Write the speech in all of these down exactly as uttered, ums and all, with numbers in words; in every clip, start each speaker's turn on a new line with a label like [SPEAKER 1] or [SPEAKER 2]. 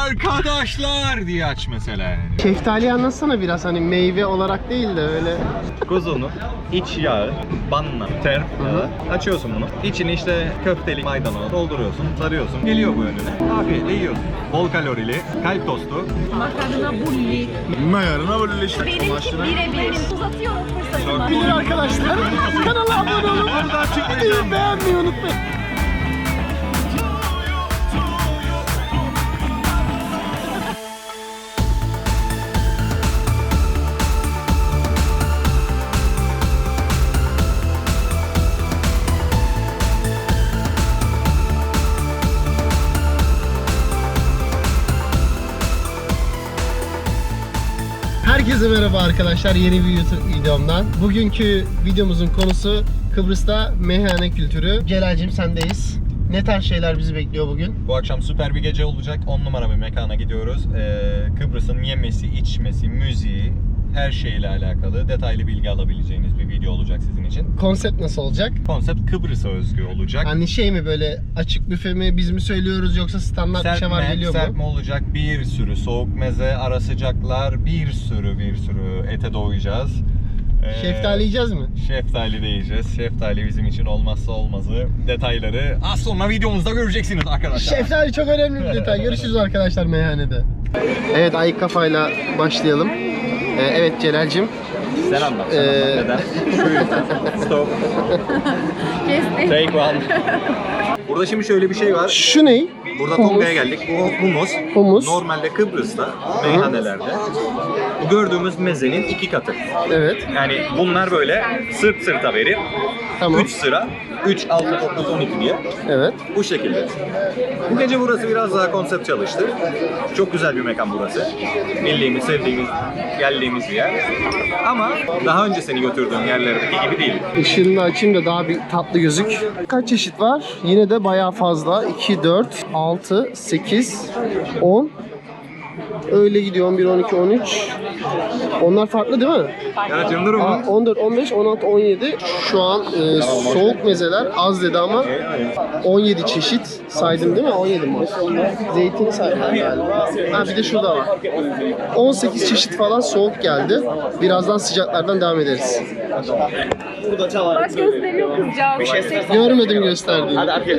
[SPEAKER 1] arkadaşlar diye aç mesela yani.
[SPEAKER 2] Şeftali anlatsana biraz, hani meyve olarak değil de öyle.
[SPEAKER 1] Kuzunun iç yağı, banna, terp yağı. Açıyorsun bunu. İçini işte köfteli maydanoz dolduruyorsun, sarıyorsun. Geliyor bu önüne. Afiyetle yiyorsun. Bol kalorili, kalp tostu.
[SPEAKER 3] Makarna bulli.
[SPEAKER 4] Makarna böyle işte.
[SPEAKER 3] Benimki birebir. Uzatıyorum fırsatımı.
[SPEAKER 2] Bilir arkadaşlar. Kanala abone olun. Videoyu beğenmeyi unutmayın. Herkese merhaba arkadaşlar, yeni bir YouTube videomdan. Bugünkü videomuzun konusu Kıbrıs'ta meyhane kültürü. Celal'cim sendeyiz. Ne tarz şeyler bizi bekliyor bugün?
[SPEAKER 1] Bu akşam süper bir gece olacak. on numara bir mekana gidiyoruz. Ee, Kıbrıs'ın yemesi, içmesi, müziği, her şeyle alakalı detaylı bilgi alabileceğiniz bir video olacak sizin için.
[SPEAKER 2] Konsept nasıl olacak?
[SPEAKER 1] Konsept Kıbrıs'a özgü olacak.
[SPEAKER 2] Hani şey mi, böyle açık büfe mi, biz mi söylüyoruz, yoksa standart bir şey var geliyor mu?
[SPEAKER 1] Serpme olacak, bir sürü soğuk meze, ara sıcaklar, bir sürü bir sürü ete doyacağız. Ee,
[SPEAKER 2] Şeftali yiyeceğiz mi?
[SPEAKER 1] Şeftali de yiyeceğiz. Şeftali bizim için olmazsa olmazı. Detayları az sonra videomuzda göreceksiniz arkadaşlar.
[SPEAKER 2] Şeftali çok önemli bir detay. Görüşürüz arkadaşlar meyhanede. Evet, ayık kafayla başlayalım. Ee, evet Celal'cim.
[SPEAKER 1] Sen anlat. Sen
[SPEAKER 2] Ee,
[SPEAKER 1] anlat. Neden? Stop.
[SPEAKER 3] Kestim.
[SPEAKER 1] Take one. Burada şimdi şöyle bir şey var.
[SPEAKER 2] Şu ne?
[SPEAKER 1] Burada
[SPEAKER 2] Humus.
[SPEAKER 1] Tonga'ya geldik. Bu humus.
[SPEAKER 2] Humus.
[SPEAKER 1] Normalde Kıbrıs'ta meyhanelerde bu gördüğümüz mezenin iki katı.
[SPEAKER 2] Evet.
[SPEAKER 1] Yani bunlar böyle sırt sırta verip
[SPEAKER 2] Tamam.
[SPEAKER 1] üç sıra, üç, altı, dokuz, on iki diye
[SPEAKER 2] Evet.
[SPEAKER 1] bu şekilde. Bu gece burası biraz daha konsept çalıştı. Çok güzel bir mekan burası. Bildiğimiz, sevdiğimiz, geldiğimiz bir yer. Ama daha önce seni götürdüğüm yerlerdeki gibi değil.
[SPEAKER 2] Işığını da açayım da daha bir tatlı gözük. Kaç çeşit var? Yine de bayağı fazla. iki, dört, altı, sekiz, on. Öyle gidiyor. on bir, on iki, on üç. Onlar farklı değil mi?
[SPEAKER 1] Evet, Yıldırım
[SPEAKER 2] Aa,
[SPEAKER 1] mı?
[SPEAKER 2] on dört, on beş, on altı, on yedi. Şu an e, soğuk mezeler az dedi ama on yedi çeşit saydım değil mi? on yedi mi? Zeytini saydım galiba. Ha, bir de şurada var. on sekiz çeşit falan soğuk geldi. Birazdan sıcaklardan devam ederiz.
[SPEAKER 3] Bak gösteriyor kızcağız. Bir şey
[SPEAKER 2] Görmedim gösterdiğini.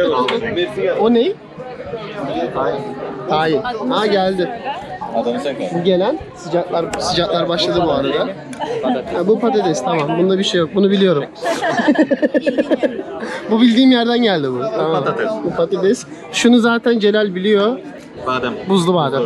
[SPEAKER 2] O ne? Tayin. Ha, geldi.
[SPEAKER 1] Adamı sen koy.
[SPEAKER 2] Bu gelen sıcaklar sıcaklar başladı bu arada. Ha, bu patates, tamam. Bunda bir şey yok. Bunu biliyorum. Bu bildiğim yerden geldi bu. Tamam.
[SPEAKER 1] patates.
[SPEAKER 2] Bu patates. Şunu zaten Celal biliyor.
[SPEAKER 1] Badem.
[SPEAKER 2] Buzlu badem.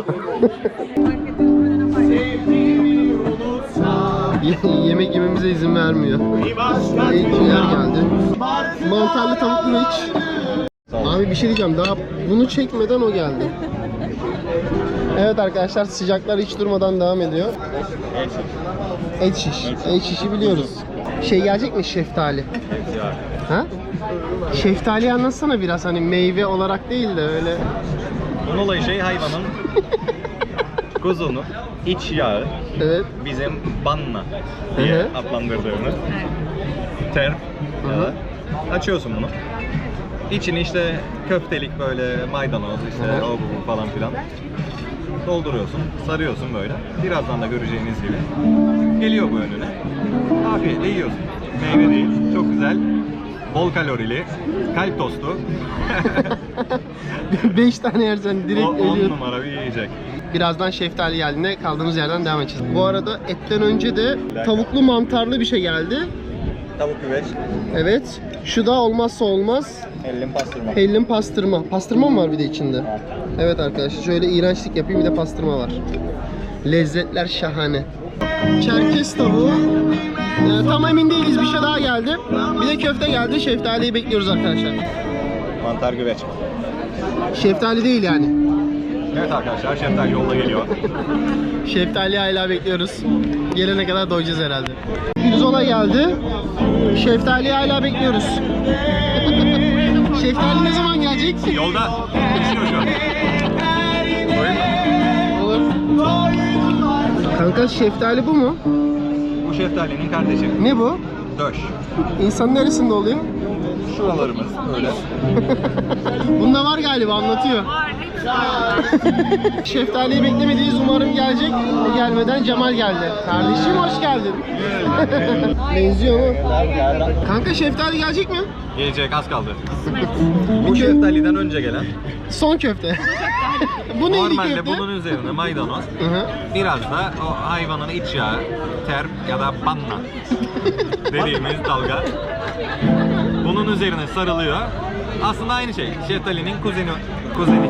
[SPEAKER 2] Ye- Yemek yememize izin vermiyor. Eğitimler geldi. Mantarlı tavuklu iç. Abi bir şey diyeceğim. Daha bunu çekmeden o geldi. Evet arkadaşlar, sıcaklar hiç durmadan devam ediyor. Et şiş. Et şişi biliyoruz. Şey gelecek mi, şeftali? Ha? Şeftali anlatsana biraz, hani meyve olarak değil de öyle.
[SPEAKER 1] Bunun olayı şey, hayvanın kuzunun iç yağı,
[SPEAKER 2] Evet.
[SPEAKER 1] bizim banna diye
[SPEAKER 2] Hı hı.
[SPEAKER 1] adlandırdığımız terp yağı. Açıyorsun bunu. İçini işte köftelik böyle maydanoz işte
[SPEAKER 2] Hı hı.
[SPEAKER 1] o bu bu falan filan dolduruyorsun, sarıyorsun böyle. Birazdan da göreceğiniz gibi geliyor bu önüne. Afiyetle yiyorsun. Meyve değil, çok güzel. Bol kalorili, kalp tostu.
[SPEAKER 2] beş tane yersen direkt
[SPEAKER 1] O on
[SPEAKER 2] ölüyor.
[SPEAKER 1] numara bir yiyecek.
[SPEAKER 2] Birazdan şeftali geldiğinde kaldığımız yerden devam edeceğiz. Bu arada etten önce de tavuklu mantarlı bir şey geldi.
[SPEAKER 1] Tavuk güveç,
[SPEAKER 2] Evet. Şu da olmazsa olmaz.
[SPEAKER 1] hellim pastırma.
[SPEAKER 2] Hellim pastırma. Pastırma mı var bir de içinde? Evet arkadaşlar, şöyle iğrençlik yapayım, bir de pastırma var. Lezzetler şahane. Çerkez tavuğu. Ee, tam emin değiliz, bir şey daha geldi. Bir de köfte geldi. Şeftaliyi bekliyoruz arkadaşlar.
[SPEAKER 1] Mantar güveç.
[SPEAKER 2] Şeftali değil yani.
[SPEAKER 1] Evet arkadaşlar, şeftali yolda geliyor.
[SPEAKER 2] Şeftaliyi hala bekliyoruz. Gelene kadar doyacağız herhalde. Pirzola geldi. Şeftaliyi hala bekliyoruz. Şeftali ne zaman gelecek?
[SPEAKER 1] Yolda. Geçiyor şu an.
[SPEAKER 2] Olur. Kanka şeftali bu mu?
[SPEAKER 1] Bu şeftalinin kardeşi.
[SPEAKER 2] Ne bu?
[SPEAKER 1] Döş.
[SPEAKER 2] İnsanın neresinde oluyor?
[SPEAKER 1] Şuralarımız öyle.
[SPEAKER 2] Bunda var galiba, anlatıyor.
[SPEAKER 3] Var, hepsi
[SPEAKER 2] Şeftaliyi beklemediğiz, umarım gelecek. O gelmeden Cemal geldi. Kardeşim hoş geldin. Benziyor mu? Kanka şeftali gelecek mi?
[SPEAKER 1] Gelecek, az kaldı. Bu şeftaliden önce gelen.
[SPEAKER 2] Son köfte. Bu neydi
[SPEAKER 1] Normalde
[SPEAKER 2] köfte?
[SPEAKER 1] bunun üzerine maydanoz,
[SPEAKER 2] Hı hı.
[SPEAKER 1] biraz da o hayvanın iç yağı, ter ya da panna dediğimiz dalga. Bunun üzerine sarılıyor. Aslında aynı şey. Şeftalinin kuzeni. Kuzeni.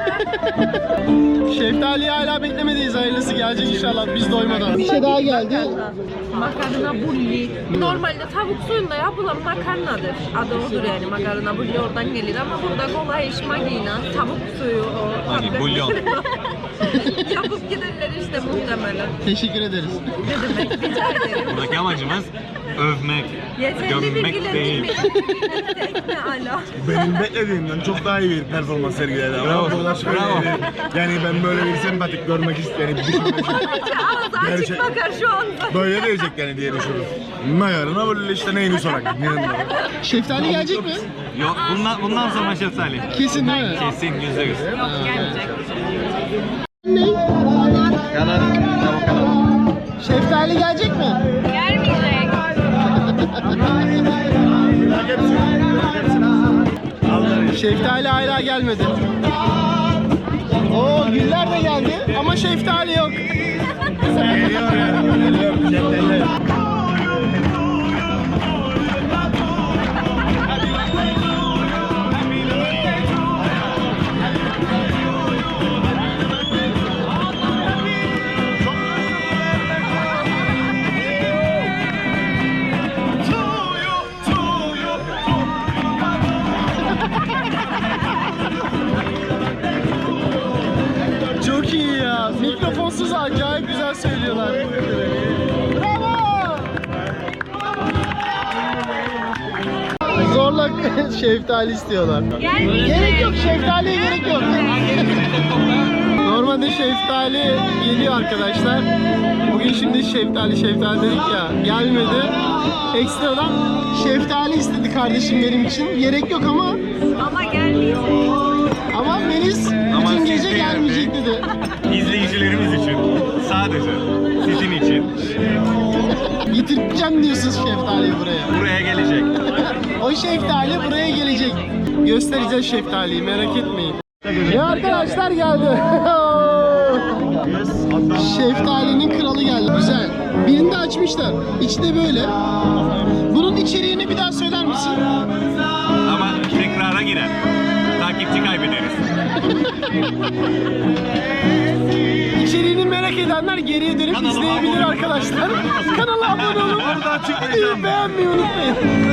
[SPEAKER 2] Şeftaliyi hala beklemedeyiz. Hayırlısı gelecek inşallah biz doymadan. Bir şey daha geldi.
[SPEAKER 3] Makarna bulli. Normalde tavuk suyunda yapılan makarnadır. Adı odur yani, makarna bulli oradan gelir ama burada kolay iş magina, tavuk suyu o.
[SPEAKER 1] Magi,
[SPEAKER 3] tatlı-
[SPEAKER 1] bulyon.
[SPEAKER 3] Yapıp giderler işte muhtemelen.
[SPEAKER 2] Teşekkür ederiz.
[SPEAKER 3] Ne demek, rica ederim.
[SPEAKER 1] Buradaki amacımız övmek,
[SPEAKER 3] Yeterli
[SPEAKER 1] gömmek
[SPEAKER 3] bilgiler
[SPEAKER 1] değil.
[SPEAKER 3] bilmek. Ne ala.
[SPEAKER 4] Benim beklediğimden çok daha iyi bir performans sergiledi. Ama
[SPEAKER 1] Bravo,
[SPEAKER 4] burada şöyle
[SPEAKER 1] bravo.
[SPEAKER 4] bir- Yani ben böyle bir sempatik görmek isterim.
[SPEAKER 3] Ağzı açık
[SPEAKER 4] Gerçek-
[SPEAKER 3] bakar şu anda.
[SPEAKER 4] Böyle diyecek yani diye düşünüyorum. Mayarına böyle işte neyini sorak.
[SPEAKER 2] Şeftali gelecek mi?
[SPEAKER 1] Yok, bundan, bundan sonra şeftali.
[SPEAKER 2] Kesin değil mi?
[SPEAKER 1] Kesin, yüzde yüz.
[SPEAKER 3] Yok, gelmeyecek.
[SPEAKER 2] Ne?
[SPEAKER 1] Kanat, tavuk kanat.
[SPEAKER 2] Şeftali gelecek mi?
[SPEAKER 3] Gelmeyecek.
[SPEAKER 2] Şeftali hala gelmedi. Oo güller de geldi ama şeftali yok.
[SPEAKER 4] Geliyor ya. Geliyor. Şeftali.
[SPEAKER 2] Çok iyi ya. Mikrofonsuz acayip güzel söylüyorlar. Bravo! Zorla şeftali istiyorlar. Gerek yok, şeftaliye gerek yok. Normalde şeftali geliyor arkadaşlar. Bugün şimdi şeftali şeftali dedik ya, gelmedi. Ekstradan şeftali istedi kardeşim benim için. Gerek yok ama
[SPEAKER 3] Ama gelmeyecek.
[SPEAKER 2] ama Melis
[SPEAKER 1] Ama
[SPEAKER 2] bütün
[SPEAKER 1] siz
[SPEAKER 2] gece
[SPEAKER 1] değil
[SPEAKER 2] gelmeyecek
[SPEAKER 1] mi?
[SPEAKER 2] dedi.
[SPEAKER 1] İzleyicilerimiz için. Sadece. Sizin için.
[SPEAKER 2] Getireceğim diyorsunuz şeftaliyi buraya.
[SPEAKER 1] Buraya gelecek.
[SPEAKER 2] O şeftali buraya gelecek. Göstereceğiz şeftaliyi, merak etmeyin. Ya arkadaşlar geldi. Şeftalinin kralı geldi. Güzel. Birini de açmışlar. İçi de böyle. Bunun içeriğini bir daha söyler misin?
[SPEAKER 1] Ama tekrara girer. Takipçi kaybederiz.
[SPEAKER 2] İçeriğini merak edenler geriye dönüp
[SPEAKER 1] Kanala
[SPEAKER 2] izleyebilir
[SPEAKER 1] abone olun.
[SPEAKER 2] arkadaşlar. Kanala abone olun.
[SPEAKER 1] Orada açıklayacağım.
[SPEAKER 2] Beğenmeyi unutmayın.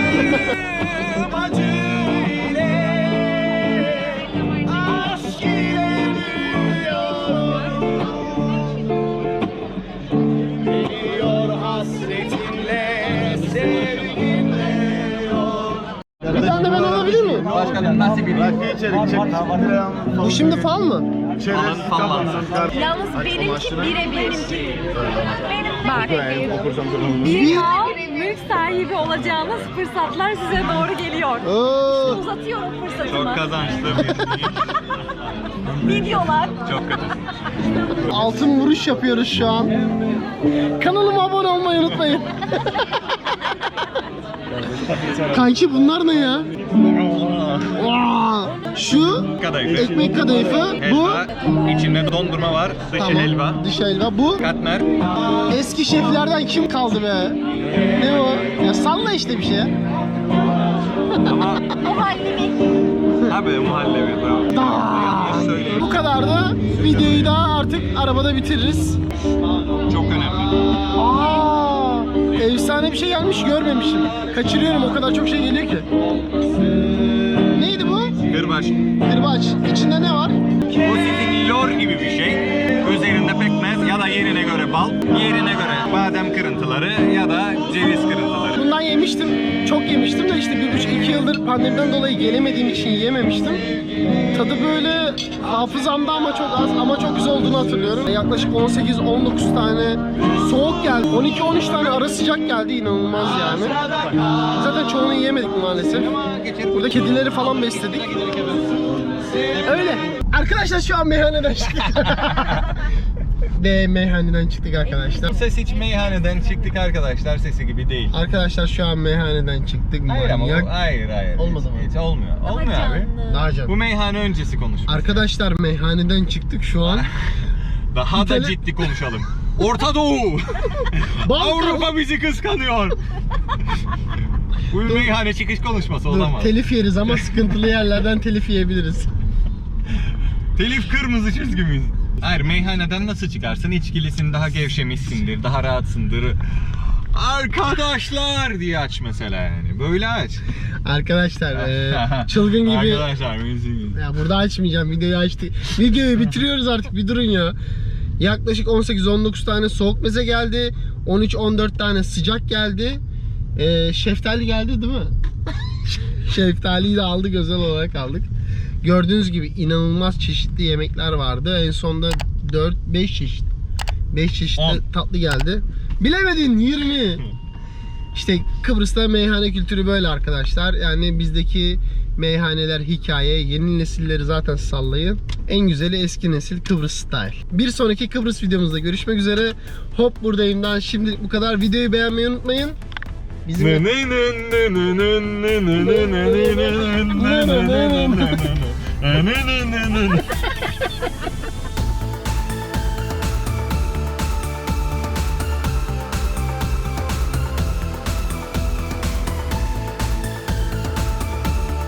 [SPEAKER 2] Bir tane de ben alabilir miyim?
[SPEAKER 1] Başkanım nasip edin.
[SPEAKER 4] Rakı içerik çek.
[SPEAKER 2] Bu şimdi fal mı?
[SPEAKER 1] Alın fallansın.
[SPEAKER 3] Yalnız benimki birebir. Benim bak.
[SPEAKER 4] Okursam sonra.
[SPEAKER 3] Bir al, mülk sahibi olacağınız fırsatlar size doğru geliyor.
[SPEAKER 2] Oo.
[SPEAKER 3] Uzatıyorum fırsatımı.
[SPEAKER 1] Çok kazançlı bir
[SPEAKER 3] Videolar.
[SPEAKER 1] Çok kötü.
[SPEAKER 2] Altın vuruş yapıyoruz şu an. Kanalıma abone olmayı unutmayın. Kanki bunlar ne ya? Vaa! Şu
[SPEAKER 1] Kadayıfı.
[SPEAKER 2] ekmek kadayıfı, bu
[SPEAKER 1] Helva. İçinde dondurma var. Dışı
[SPEAKER 2] tamam,
[SPEAKER 1] helva.
[SPEAKER 2] dış helva, bu
[SPEAKER 1] Katmer.
[SPEAKER 2] eski şeflerden kim kaldı be? Ne o? Ya salla işte bir şey.
[SPEAKER 1] Ama
[SPEAKER 3] Muhallebi.
[SPEAKER 1] abi muhallebi. Bravo. Yanlış söyleyeyim.
[SPEAKER 2] Bu kadar da videoyu da artık arabada bitiririz.
[SPEAKER 1] Çok önemli.
[SPEAKER 2] Aa, efsane bir şey gelmiş, görmemişim. Kaçırıyorum, o kadar çok şey geliyor ki. Neydi bu?
[SPEAKER 1] Kırbaç.
[SPEAKER 2] Kırbaç. İçinde ne var?
[SPEAKER 1] Bu sizin lor gibi bir şey. Üzerinde pekmez ya da yerine göre bal, yerine göre badem kırıntıları ya da ceviz kırıntıları.
[SPEAKER 2] Bundan yemiştim. Çok yemiştim de işte bir buçuk iki yıldır pandemiden dolayı gelemediğim için yememiştim. Tadı böyle hafızamda ama çok az ama çok güzel olduğunu hatırlıyorum. Yaklaşık on sekiz on dokuz tane soğuk geldi. on iki on üç tane ara sıcak geldi, inanılmaz yani. Zaten çoğunu yiyemedik maalesef. Burada kedileri falan besledik. Öyle. Arkadaşlar şu an meyhaneden çıktık. Ve meyhaneden çıktık arkadaşlar.
[SPEAKER 1] Ses hiç meyhaneden çıktık arkadaşlar, sesi gibi değil.
[SPEAKER 2] Arkadaşlar şu an meyhaneden çıktık.
[SPEAKER 1] Hayır ama
[SPEAKER 2] Manyak.
[SPEAKER 1] o- hayır hayır.
[SPEAKER 2] Olmaz
[SPEAKER 1] hiç,
[SPEAKER 2] ama.
[SPEAKER 1] Hiç olmuyor.
[SPEAKER 3] Daha
[SPEAKER 1] Olmuyor abi.
[SPEAKER 3] canlı.
[SPEAKER 2] Daha canım.
[SPEAKER 1] Bu meyhane öncesi konuşması.
[SPEAKER 2] Arkadaşlar meyhaneden çıktık şu an.
[SPEAKER 1] Daha da
[SPEAKER 2] İtalya-
[SPEAKER 1] ciddi konuşalım. Orta Doğu.
[SPEAKER 2] Balkan.
[SPEAKER 1] Avrupa bizi kıskanıyor. Bu bir meyhane çıkış konuşması
[SPEAKER 2] Dur,
[SPEAKER 1] olamaz.
[SPEAKER 2] telif yeriz ama sıkıntılı yerlerden telif yiyebiliriz.
[SPEAKER 1] Telif kırmızı çizgimiz. Hayır, meyhaneden nasıl çıkarsın? İçkilisin, daha gevşemişsindir, daha rahatsındır. Arkadaşlar diye aç mesela yani. Böyle aç.
[SPEAKER 2] Arkadaşlar e, çılgın gibi.
[SPEAKER 1] Arkadaşlar müzik.
[SPEAKER 2] Ya burada açmayacağım, videoyu açtık. Videoyu bitiriyoruz artık, bir durun ya. Yaklaşık on sekiz on dokuz tane soğuk meze geldi. on üç on dört tane sıcak geldi. Ee, şeftali geldi değil mi? Şeftaliyi de aldık, özel olarak aldık. Gördüğünüz gibi inanılmaz çeşitli yemekler vardı. En sonunda dört beş çeşit. beş çeşitli
[SPEAKER 1] on.
[SPEAKER 2] tatlı geldi. Bilemedin, yirmi. İşte Kıbrıs'ta meyhane kültürü böyle arkadaşlar. Yani bizdeki meyhaneler hikaye, yeni nesilleri zaten sallayın. En güzeli eski nesil Kıbrıs style. Bir sonraki Kıbrıs videomuzda görüşmek üzere. Hop buradayımdan şimdilik bu kadar. Videoyu beğenmeyi unutmayın. Bizim